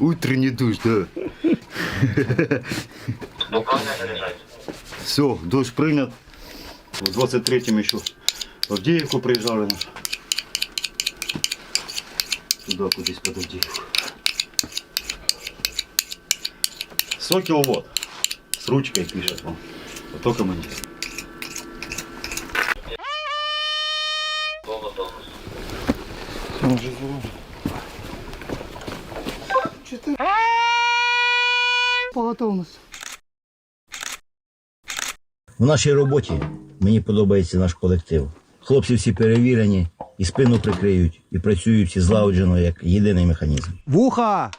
Утренний душ, да. Все, душ принят. В 23-м еще в Авдеевку приезжали. Туда кудись под Авдеевку. Сокел вот. С ручкой пишет вам. А только мы. По готовності. В нашій роботі мені подобається наш колектив. Хлопці всі перевірені, і спину прикриють, і працюють всі злагоджено, як єдиний механізм. Вуха!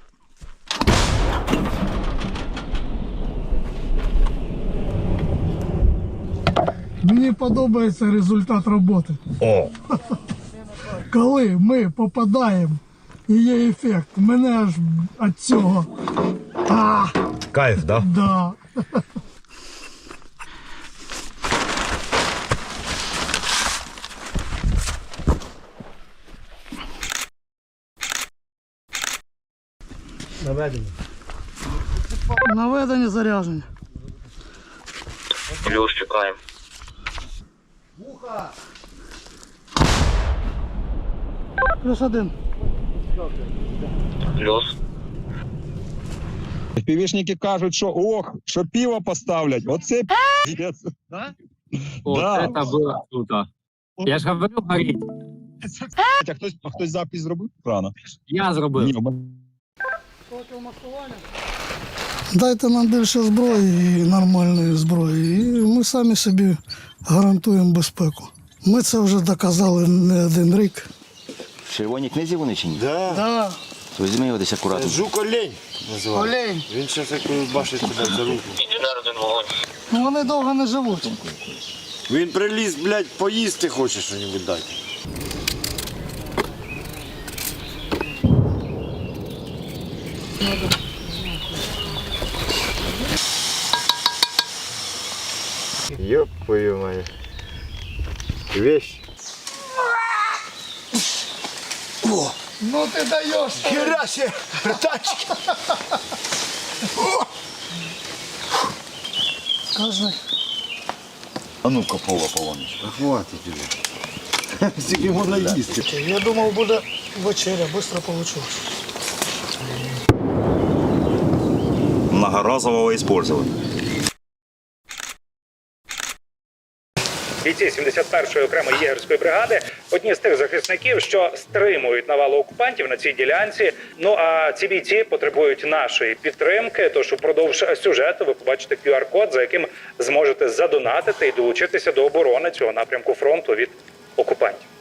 Мені подобається результат роботи. О! Коли ми попадаємо і є ефект, мене аж від цього. Кайф, да? Да. Наведення зарядження. Плюс чекаємо. Плюс один. Плюс. Півішники кажуть, що ох, що пиво поставлять. Оце п'єць. Вот Да. это было круто. Я ж говорю, горіть. А хтось запис зробив? Рано. Я зробив. Ні, Дайте нам більше зброї і нормальної зброї, і ми самі собі гарантуємо безпеку. Ми це вже доказали не один рік. В червоній книзі вони чи ні? Да. Візьми його десь акуратно. Жук-олень називається. Олень. Він зараз як бачить тебе за руку. Інженер один вогонь. Ну, вони довго не живуть. Він приліз, блядь, поїсти хоче що-небудь дати. Ёб твою мать. Вещь. Ну ти даєш. Хера себе, тачки. Скажи. А ну-ка, полонечко. Хватить уже. Скільки можна їсти. Я думав, буде вечеря, швидко вийшло. Многоразового использования. Бійці 71-ї окремої єгерської бригади – одні з тих захисників, що стримують навалу окупантів на цій ділянці. Ну а ці бійці потребують нашої підтримки, тож упродовж сюжету ви побачите QR-код, за яким зможете задонатити і долучитися до оборони цього напрямку фронту від окупантів.